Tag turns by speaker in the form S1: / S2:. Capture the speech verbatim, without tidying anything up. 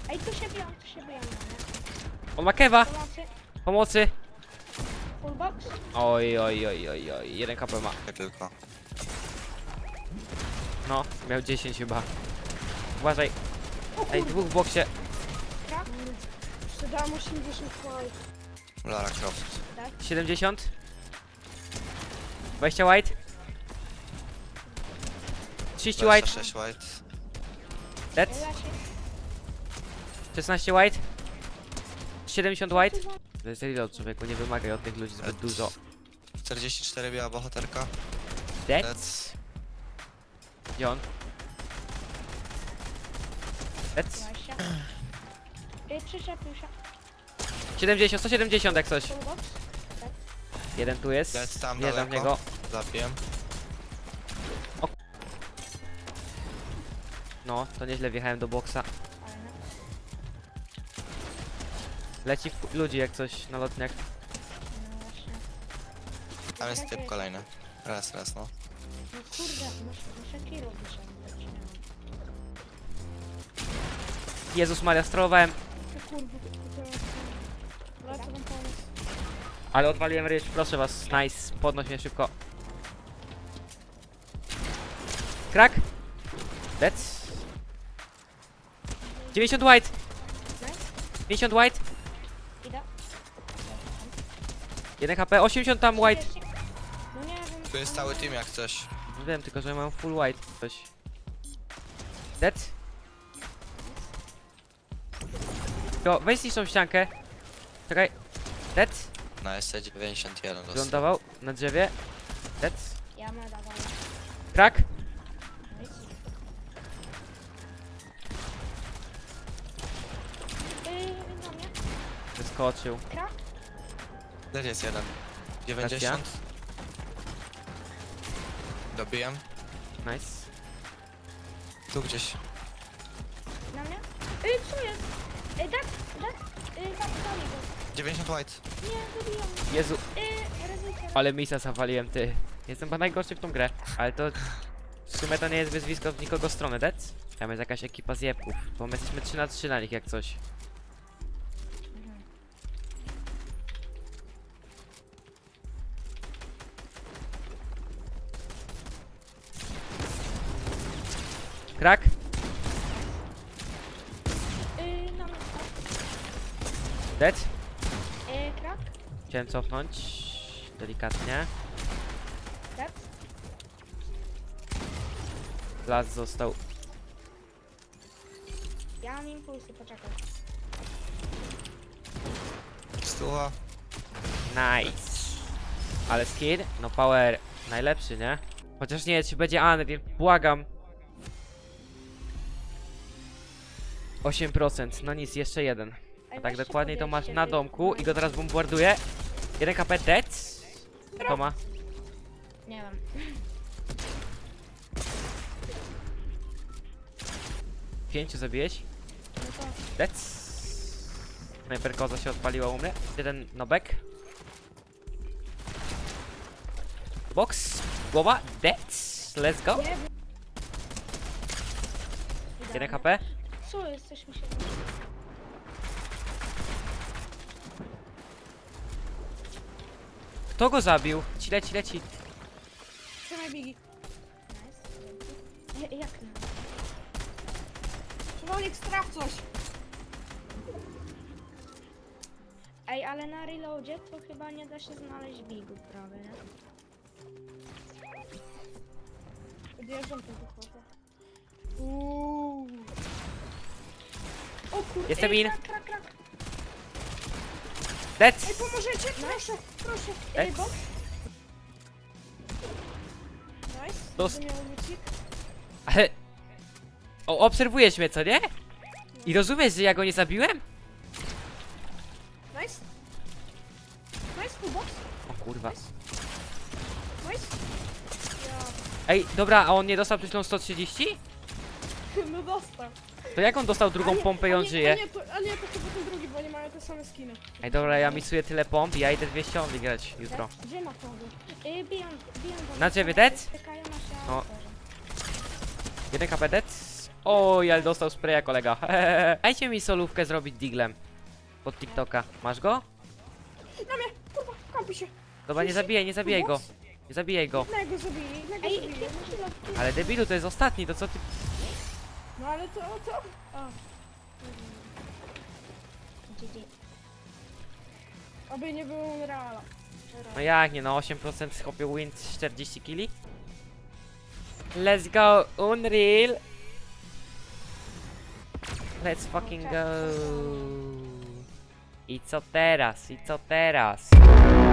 S1: Ej, tu się biją, tu się biją, nie?
S2: On ma kewa!
S1: Pomocy,
S2: Pomocy!
S1: full box.
S2: Oj, oj, oj, oj, oj. Jeden K P ma.
S3: Nie tylko.
S2: No, miał dziesięć chyba. Uważaj.
S1: O
S2: Ej,
S1: kurde,
S2: dwóch w boksie.
S1: tak? Sprzedałam osiemdziesiąt white.
S3: Lara Croft.
S2: siedemdziesiąt. dwadzieścia white. trzydzieści white.
S3: dwadzieścia sześć white.
S2: Dead.
S1: Ja się...
S2: szesnaście white. siedemdziesiąt white. To jest reload, człowieku, nie wymagaj od tych ludzi zbyt dużo.
S3: czterdzieści cztery biała bohaterka.
S2: Dead.
S3: Dead.
S2: Gdzie on? Dead.
S1: dwadzieścia. Ej, przyczepił się.
S2: siedemdziesiąt, sto siedemdziesiąt jak coś.
S1: Full box.
S2: Jeden tu jest.
S3: Dead tam
S2: Wjeżdżam w
S3: daleko.
S2: niego.
S3: Zabiłem.
S2: No, to nieźle wjechałem do boksa.
S1: Ale no.
S2: Leci w ludzi jak coś na lotniach.
S1: No właśnie.
S3: Tam jest typ kolejny. Raz, raz, no.
S1: No kurde, muszę, muszę kilo wyciągnąć. nie mam.
S2: Jezus Maria, sterowałem.
S1: Ty kurwa, to jest... Wracam wam pomóc.
S2: Ale odwaliłem ryż, proszę was, nice. Podnoś mnie szybko. Krak. Dead. dziewięćdziesiąt white.
S1: Nice.
S2: pięćdziesiąt white.
S1: Idę.
S2: jeden H P, osiemdziesiąt tam white.
S1: No nie wiem.
S3: Tu jest cały team jak coś.
S2: No wiem, tylko że mam full white. Coś. Dead. Jo, weź zniszczą ściankę. Czekaj. Dead.
S3: Na S C dziewięćdziesiąt jeden dostał.
S2: Wylądował na drzewie. Dead.
S1: Ja ma dawaj.
S2: Krak.
S1: Nice. Yy, na mnie.
S2: Wyskoczył.
S1: Krak.
S3: Dead jest jeden. dziewięćdziesiąt. Dobiłem.
S2: Nice.
S3: Tu gdzieś.
S1: Na mnie. Yy, co jest? Yy, tak, tak. Yy, tak, dalej go.
S3: dziewięćdziesiąt white.
S1: Nie, zabiją.
S2: Jezu,
S1: Yy, ryzykiem.
S2: ale misa zawaliłem, ty. Jestem chyba najgorszy w tą grę, ale to w sumie to nie jest wyzwisko z nikogo strony, dead? Tam jest jakaś ekipa zjebków, bo my jesteśmy trzy na trzy na nich jak coś. Krak?
S1: Yy, na mnie.
S2: Dead?
S1: Yy, krak.
S2: Chciałem cofnąć. Delikatnie.
S1: Tak.
S2: Las został.
S1: Ja mam impulsy, poczekaj.
S3: Stuwa.
S2: Nice. Ale skin? No power najlepszy, nie? Chociaż nie, czy będzie Unreal, błagam. osiem procent, no nic, jeszcze jeden. A tak dokładniej to masz na domku i go teraz bombarduję. jeden K P dead. To ma.
S1: Nie wiem.
S2: Pięciu zabiłeś.
S1: No to...
S2: Dead. Snajperkoza się odpaliła u mnie. Jeden nobek. Box. Głowa. Dead. Let's go.
S1: Nie wiem.
S2: jeden H P.
S1: Co jest? Coś mi się...
S2: Kto go zabił? Ci leci, leci.
S1: Trzymaj bigi. Nice. Jak nie? Człowiek, straf coś! Ej, ale na reloadzie to chyba nie da się znaleźć bigów prawie, nie? Odjeżdżam tu wychodzę. Uuu. O kurde,
S2: Jestem
S1: ej,
S2: in.
S1: krak, krak, krak.
S2: Dead.
S1: Ej, pomożecie? Proszę, proszę.
S2: Ej.
S1: Ej, box. Nice.
S2: Dost-
S1: Będę miał lucik.
S2: Ale... O, obserwujesz mnie, co nie? I rozumiesz, że ja go nie zabiłem?
S1: Nice. Nice, full box.
S2: O kurwa.
S1: Nice. Ja.
S2: Ej, dobra, a on nie dostał przed chwilą sto trzydzieści?
S1: No dostał.
S2: To jak on dostał drugą
S1: A nie,
S2: pompę i
S1: a
S2: on
S1: nie,
S2: żyje?
S1: A nie, to, a nie, to chyba ten drugi, bo oni mają te same skiny.
S2: Ej, dobra, ja misuję tyle pomp i ja idę dwieście only grać jutro.
S1: Tak? Gdzie ma to? Yy, biją, biją do
S2: Na
S1: nas.
S2: ciebie dead?
S1: Czekają na się.
S2: No.
S1: No.
S2: jeden K P dead. Oj, ale dostał spraya kolega. Dajcie mi solówkę zrobić diglem. Pod TikToka. Masz go?
S1: Na mnie, kurwa, kampi się.
S2: Dobra, nie zabijaj, nie zabijaj go. Nie zabijaj go.
S1: Jednego zabili, jednego
S4: Ej,
S1: zabili.
S2: Ale debilu, to jest ostatni, to co ty...
S1: No ale to, to... O,
S4: G G.
S1: oby nie było Unreala.
S2: No jak nie, no osiem procent chłopie win czterdzieści kili? Let's go, Unreal! Let's fucking go! I co teraz? I co teraz?